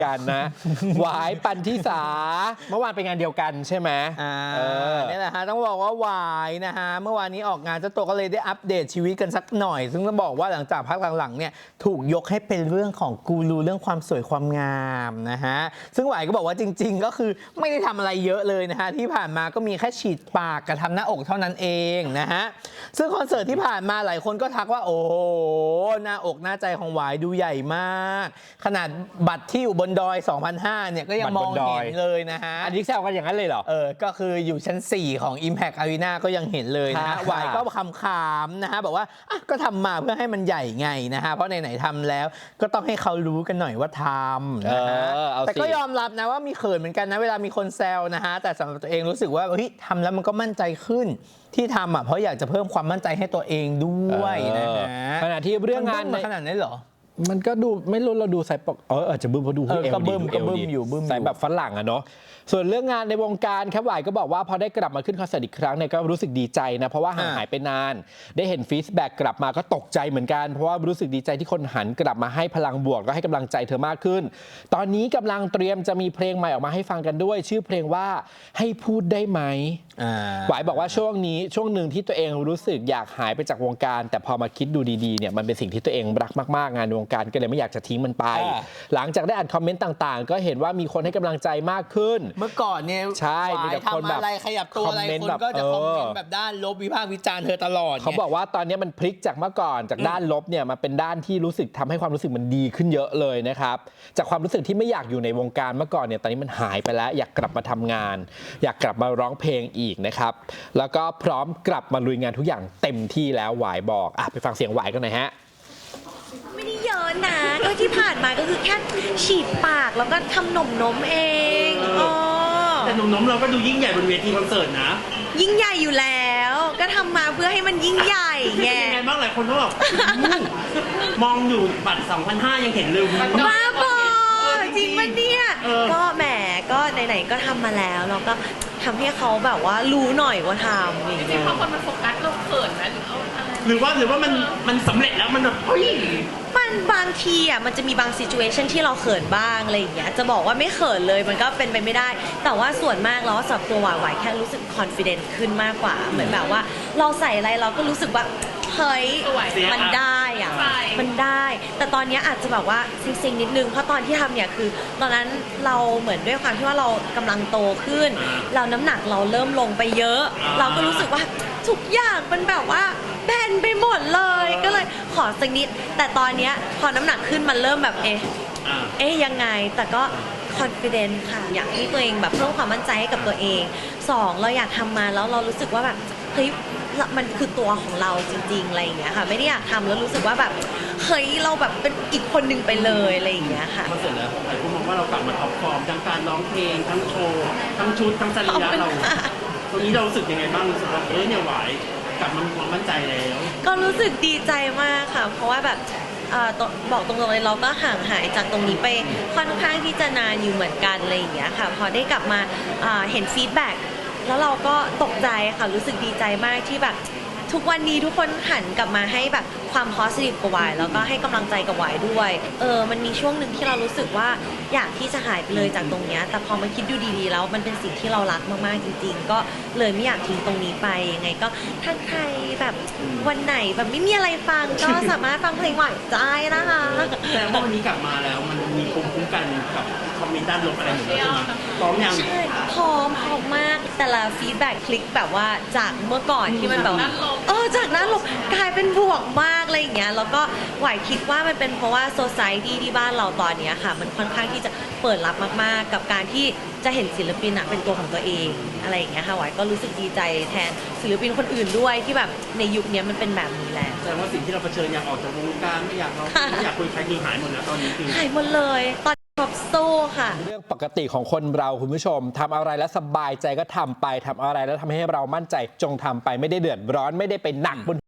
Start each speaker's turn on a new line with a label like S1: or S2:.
S1: กันนะหวายปันธิสาเมื่อวานไปงานเดียวกันใช่ไหม
S2: นี่แหละฮะต้องบอกว่าหวายนะฮะเมื่อวานนี้ออกงานเจ้าตัวก็เลยได้อัปเดตชีวิตกันสักหน่อย ซึ่งต้องบอกว่าหลังจากพักหลังๆเนี่ยถูกยกให้เป็นเรื่องของกูรูเรื่องความสวยความงามนะฮะซึ่งหวายก็บอกว่าจริงๆก็คือไม่ได้ทำอะไรเยอะเลยนะฮะที่ผ่านมาก็มีแค่ฉีดปากกับทำหน้าอกเท่านั้นเองนะฮะซึ่งคอนเสิร์ตที่ผ่านมาหลายคนก็ทักว่าโอ้โหหน้าอกหน้าใจของหวายดูใหญ่มากขนาดบัตรที่อยู่บนดอย 2,500 เนี่ยก็ยังมองเห็นเลยนะฮะ
S1: อันนี้แซวกันอย่างนั้นเลยเหรอ
S2: ก็คืออยู่ชั้น 4 ของ Impact Arena ก็ยังเห็นเลยนะฮะวายก็คำๆนะฮะบอกว่าก็ทำมาเพื่อให้มันใหญ่ไงนะฮะเพราะไหนๆทำแล้วก็ต้องให้เขารู้กันหน่อยว่าทำนะฮะแต่ก็ยอมรับนะว่ามีเขินเหมือนกันนะเวลามีคนแซวนะฮะแต่สำหรับตัวเองรู้สึกว่าเฮ้ยทำแล้วมันก็มั่นใจขึ้นที่ทำเพราะอยากจะเพิ่มความมั่นใจให้ตัวเองด้วยนะฮะ
S1: ขณะที่เรื่องงาน
S2: ขนาดนั้นเหรอ
S1: มันก็ดูไม่รู้เราดูใส่ปกอาจจะบึ้มเพราะดูเอว
S2: ก็บึ้มอยู่
S1: ใส่แบบฝรั่งอะเนาะส่วนเรื่องงานในวงการครับหวายก็บอกว่าพอได้กลับมาขึ้นคอนเสิร์ตอีกครั้งเนี่ยก็รู้สึกดีใจนะเพราะว่าห่างหายไปนานได้เห็นฟีดแบ็กกลับมาก็ตกใจเหมือนกันเพราะว่ารู้สึกดีใจที่คนหันกลับมาให้พลังบวกก็ให้กำลังใจเธอมากขึ้นตอนนี้กำลังเตรียมจะมีเพลงใหม่ออกมาให้ฟังกันด้วยชื่อเพลงว่าให้พูดได้ไหมหวายบอกว่าช่วงหนึ่งที่ตัวเองรู้สึกอยากหายไปจากวงการแต่พอมาคิดดูดีๆเนี่ยมันเป็นสิ่งที่ตัวเองรักมากๆงานในวงการก็เลยไม่อยากจะทิ้งมันไปหลังจากได้อ่านคอมเมนต์ต่างๆก็เห็นว่ามีคนให้กำลังใจมากขึ้น
S2: เมื่อก่อนเนี่ย
S1: ใช่มีแต่คนแบบ
S2: อะไรขยับตัวอะไรคนก็จะคอมเมนต์แบบด้านลบวิพากษ์วิจารณ์เธอตลอด
S1: เขาบอกว่าตอนนี้มันพลิกจากเมื่อก่อนจากด้านลบเนี่ยมาเป็นด้านที่รู้สึกทำให้ความรู้สึกมันดีขึ้นเยอะเลยนะครับจากความรู้สึกที่ไม่อยากอยู่ในวงการเมื่อก่อนเนี่ยตอนนี้มันหายไปแล้วอยากกลับมาทำงานอยากกลับมาร้องเพลงอีกนะครับแล้วก็พร้อมกลับมาลุยงานทุกอย่างเต็มที่แล้วหวายบอกไปฟังเสียงหวายกันหน่อยฮะ
S3: ไม่ได้เยอะนะก็ที่ผ่านมาก็คือแค่ฉีดปากแล้วก็ทำหนมนมเอง
S4: แต่หนมเราก็ดูยิ่งใหญ่บนเวทีคอนเสิร์ตนะ
S3: ยิ่งใหญ่อยู่แล้วก็ทำมาเพื่อให้มันยิ่งใหญ่ไง
S4: ยังไงบ้างหลายคนก็แบบมองอยู่บัตร 2,500 ยังเห็นเลย
S3: บ้าบอจริงปะเนี่ยก็แหมก็ไหนๆก็ทำมาแล้วเราก็ทำให้เขาแบบว่ารู้หน่อยว่าทำ
S5: จริงๆพอคนมันโฟกัสเราเขินไหม
S4: หรือว่ามันสำเร็จแล้วมันแบบเฮ้ย
S3: มันบางทีมันจะมีบางซิจูเอชันที่เราเขินบ้างอะไรอย่างเงี้ยจะบอกว่าไม่เขินเลยมันก็เป็นไปไม่ได้แต่ว่าส่วนมากแล้วสำหรับตัวหวายแค่รู้สึกคอนฟิเดนซ์ขึ้นมากกว่าเหมือนแบบว่าเราใส่อะไรเราก็รู้สึกว่าเฮ้ยมันได้มันได้แต่ตอนนี้อาจจะแบบว่าซิงๆนิดนึงเพราะตอนที่ทำเนี่ยคือตอนนั้นเราเหมือนด้วยความที่ว่าเรากำลังโตขึ้นเราน้ำหนักเราเริ่มลงไปเยอะเราก็รู้สึกว่าทุกอย่างมันแบบว่าแบนไปหมดเลยก็เลยขอสักนิดแต่ตอนนี้พอน้ำหนักขึ้นมันเริ่มแบบยังไงแต่ก็คอนฟิเดนซ์ค่ะอยากให้ตัวเองแบบเพิ่มความมั่นใจให้กับตัวเอง2เราอยากทำมาแล้วเรารู้สึกว่าแบบเฮ้ยมันคือตัวของเราจริงๆอะไรอย่างเงี้ยค่ะไม่ได้อยากทำแล้วรู้สึกว่าแบบเฮ้ยเราแบบเป็นอีกคนหนึ่งไปเลยอะไรอย่างเงี้ยค่ะ
S4: คอนเสิร์ตแล้วหลายคนมองว่าเรากลับมาท็อปฟอร์มทั้งการร้องเพลงทั้งโชว์ทั้งชุดทั้งสรีระเราตรงนี้เรารู้สึกยังไงบ้างรู้สึกว่าเนี่ยหวายกลับมามีความมั่นใจแล้ว
S3: ก็รู้สึกดีใจมากค่ะเพราะว่าแบบบอกตรงๆเลยเราก็ห่างหายจากตรงนี้ไปค่อนข้างที่จะนานอยู่เหมือนกันอะไรอย่างเงี้ยค่ะพอได้กลับมาเห็นฟีดแบ็กแล้วเราก็ตกใจค่ะรู้สึกดีใจมากที่แบบทุกวันนี้ทุกคนหันกลับมาให้แบบความ positive กับหวายแล้วก็ให้กำลังใจกับหวายด้วยมันมีช่วงหนึ่งที่เรารู้สึกว่าอยากที่จะหายไปเลยจากตรงนี้แต่พอมาคิดดูดีๆแล้วมันเป็นสิ่งที่เรารักมากๆจริงๆก็เลยไม่อยากทิ้งตรงนี้ไปยังไงก็ถ้าใครแบบวันไหนแบบไม่มีอะไรฟังก็สามารถฟังเพลงหวายได้นะคะ
S4: แต่ว่าวันนี้กลับมาแล้วมันมีภูมิคุ้มกันกับคอมเมนต์ด้านลบอะไรหมดแล้วใช่ไหมพร้อมยัง
S3: ใช่พร้อมมากแต่ละฟีดแบ็กคลิกแบบว่าจากเมื่อก่อนที่มันแบบจากนั้นลบกลายเป็นบวกมากอะไรอย่างเงี้ยแล้วก็หวายคิดว่ามันเป็นเพราะว่าโซซายตี้ที่บ้านเราตอนนี้ค่ะมันค่อนข้างที่จะเปิดรับมากๆกับการที่จะเห็นศิลปินเป็นตัวของตัวเองอะไรอย่างเงี้ยค่ะหวายก็รู้สึกดีใจแทนศิลปินคนอื่นด้วยที่แบบในยุคนี้มันเป็นแบบนี้แหละ
S4: แสดงว่าสิ่งที่เราเผชิญอยากออกจากวงการไม่อยากคุยใครคือหายหมดแล้วตอนนี้คือ
S3: หายหมดเลยตอนโซ่ค่ะ
S1: เรื่องปกติของคนเราคุณผู้ชมทำอะไรแล้วสบายใจก็ทำไปทำอะไรแล้วทำให้เรามั่นใจจงทำไปไม่ได้เดือดร้อนไม่ได้ไปหนักบน